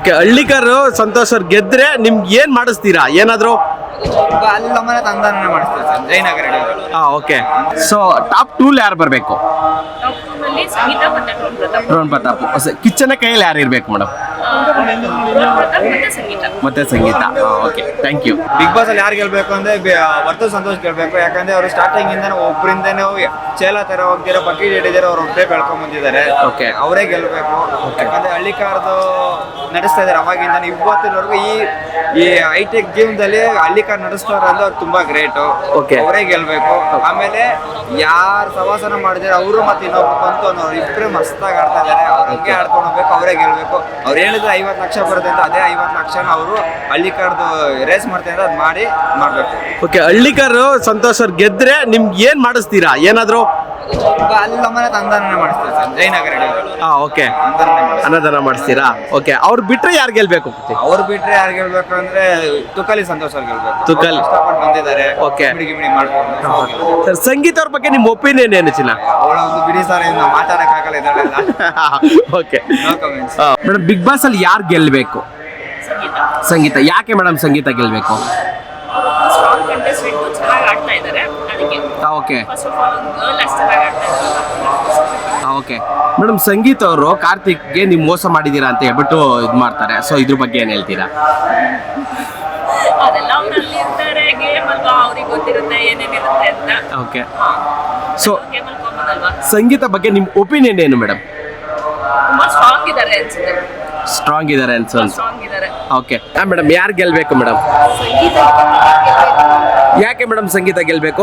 Okay, Hallikar Santosh ಅವ್ರು ಗೆದ್ರೆ ನಿಮ್ಗೆ ಏನ್ ಮಾಡಿಸ್ತೀರಾ? ಏನಾದ್ರು ಅಲ್ಲಿ ನಮ್ಮನೆ ತಂದಾನೆ ಮಾಡಿಸ್ತೀವಿ sir, Jayanagar ready. Okay. So top 2 ಯಾರು ಬರಬೇಕು? ನಲ್ಲಿ ಸಂಗೀತ ಮತ್ತೆ ಡ್ರೋನ್ ಪ್ರತಾಪ್. ಕಿಚ್ಚನ ಕೈಯಲ್ಲಿ ಯಾರು ಇರ್ಬೇಕು ಮೇಡಮ್? ಮತ್ತೆ Sangeetha. Okay, thank you. Big boss ಅಲ್ಲಿ ಯಾರು ಗೆಲ್ಬೇಕು ಅಂದ್ರೆ ವರ್ತು ಸಂತೋಷ್ ಗೆಲ್ಬೇಕು. ಯಾಕಂದ್ರೆ ಅವರು ಸ್ಟಾರ್ಟಿಂಗ್ ಇಂದ ಒಬ್ಬರಿಂದನೇ ಚೇಲ ತರ ಹೋಗ್ದಿರೋ ಬಕೀಟ್ ಹಿಡಿದಿರೋ ಅವ್ರು ಒಬ್ಬರೇ ಬೆಳ್ಕೊಂಡ್ ಬಂದಿದ್ದಾರೆ. ಓಕೆ, ಅವರೇ ಗೆಲ್ಬೇಕು. ಯಾಕಂದ್ರೆ ಹಳ್ಳಿಕಾರ್ದು ನಡೆಸ್ತಾ ಇದಾರೆ ಅವಾಗಿಂದ ಇವತ್ತಿನವರೆಗೂ. ಈ ಹೈಟೆಕ್ ಜೀವನದಲ್ಲಿ ಹಳ್ಳಿಕಾರ್ ನಡೆಸ್ತಾರೆ ಅಂದ್ರೆ ಅವ್ರು ತುಂಬಾ ಗ್ರೇಟ್. ಅವರೇ ಗೆಲ್ಬೇಕು. ಆಮೇಲೆ ಯಾರು ಸವಾಸನ ಮಾಡಿದಾರೆ ಅವರು ಮತ್ತೆ ಇನ್ನೊಬ್ರು ಬಂತು ಅನ್ನೋರು ಇಬ್ಬರೇ ಮಸ್ತಾಗಿ ಆಡ್ತಾ ಇದಾರೆ. ಅವ್ರಿಗೆ ಆಡ್ಕೊಂಡು ಹೋಗ್ಬೇಕು, ಅವರೇ ಗೆಲ್ಬೇಕು. ಅವ್ರು ಹೇಳಿದ್ರೆ 50 ಲಕ್ಷ ಬರುತ್ತೆ ಅಂತ, ಅದೇ 50 ಲಕ್ಷನ ಅವರು ಹಳ್ಳಿಕಾರ್ದು ರೇಸ್ ಮಾಡ್ತಾ ಇದ್ರೆ ಅದು ಮಾಡ್ಬೇಕು. ಓಕೆ, ಹಳ್ಳಿಕಾರು ಸಂತೋಷ್ ಅವ್ರು ಗೆದ್ರೆ ನಿಮ್ಗೆ ಏನ್ ಮಾಡಿಸ್ತೀರಾ? ಏನಾದ್ರು ಅಲ್ಲಿ ನಮ್ಮನೆ ತಂದಾನೆ ಮಾಡಿಸ್ತೀವಿ ಸರ್, ಜಯನಗರ ರೆಡಿ. ಓಕೆ, ಅನ್ನದಾನ ಮಾಡಿಸ್ತೀರಾ? ಓಕೆ, ಅವ್ರು ಬಿಟ್ರೆ ಯಾರು ಗೆಲ್ಬೇಕು? ಅವ್ರು ಬಿಟ್ರೆ ಯಾರು ಗೆಲ್ಬೇಕು ಅಂದ್ರೆ ತುಕಾಲಿ ಸಂತೋಷ್ ಅವ್ರು ಗೆಲ್ಬೇಕು. ತುಕಾಲಿ ಇಷ್ಟಪಟ್ಟು ಬಂದಿದ್ದಾರೆ. ಓಕೆ, ಗಿಮಿಡಿ ಮಾಡ್ಕೊಂಡು. ಸರ್, ಸಂಗೀತ ಅವ್ರ ಬಗ್ಗೆ ನಿಮ್ಮ ಒಪಿನಿಯನ್ ಏನು ಚಿನ್ನ? ಅವಳೊಂದು ಬಿಡಿ ಸಾರ ಮಾತಾಡಕ್ಕಾಗಲ್ಲ ಇದರಲ್ಲೆಲ್ಲ. Okay no comments. Madam, big boss ಅಲ್ಲಿ ಯಾರು ಗೆಲ್ಬೇಕು? ಸಂಗೀತ. ಯಾಕೆ ಮೇಡಮ್ ಸಂಗೀತ ಗೆಲ್ಬೇಕು? ಸ್ಟ್ರಾಂಗ್ ಕಂಟೆಸ್ಟೆಂಟ್, ಚೆನ್ನಾಗಿ ಆಡ್ತಾ ಇದ್ದಾರೆ ಅದಕ್ಕೆ. ಓಕೆ, ಫಸ್ಟ್ ಆಫ್ ಆಲ್ ಒಂದು ಗರ್ಲ್ ಅಷ್ಟು ಚೆನ್ನಾಗಿ ಆಡ್ತಾ ಇದ್ದಾರೆ. ಓಕೆ ಮೇಡಮ್, ಸಂಗೀತ ಅವರು ಕಾರ್ತಿಕ್ಗೆ ನೀವು ಮೋಸ ಮಾಡಿದ್ದೀರಾ ಅಂತ ಹೇಳ್ಬಿಟ್ಟು ಇದು ಮಾಡ್ತಾರೆ. ಸೊ ಇದ್ರ ಬಗ್ಗೆ ಏನು ಹೇಳ್ತೀರಾ? ಅದೆಲ್ಲ ಅವರಲ್ಲಿ ಇರ್ತಾರೆ, ಗೇಮ್ ಅಲ್ವಾ, ಅವ್ರಿಗೆ ಗೊತ್ತಿರುತ್ತೆ ಏನೇನಿರುತ್ತೆ ಅಂತ. ಓಕೆ, ಸೊ ಗೇಮ್ ಅಲ್ಲಿ ಕಾಮನ್ ಅಲ್ವಾ. ಸಂಗೀತ ಬಗ್ಗೆ ನಿಮ್ಮ ಒಪಿನಿಯನ್ ಏನು ಮೇಡಮ್? ತುಂಬಾ ಸ್ಟ್ರಾಂಗ್ ಇದ್ದಾರೆ ಅನ್ಸುತ್ತೆ. ಸ್ಟ್ರಾಂಗ್ ಇದ್ದಾರೆ ಅನ್ಸುತ್ತೆ. ಸ್ಟ್ರಾಂಗ್ ಇದ್ದಾರೆ. ಓಕೆ ಮೇಡಮ್, ಯಾರು ಗೆಲ್ಬೇಕು ಮೇಡಮ್? ಯಾಕೆ ಮೇಡಮ್ ಸಂಗೀತ ಗೆಲ್ಬೇಕು?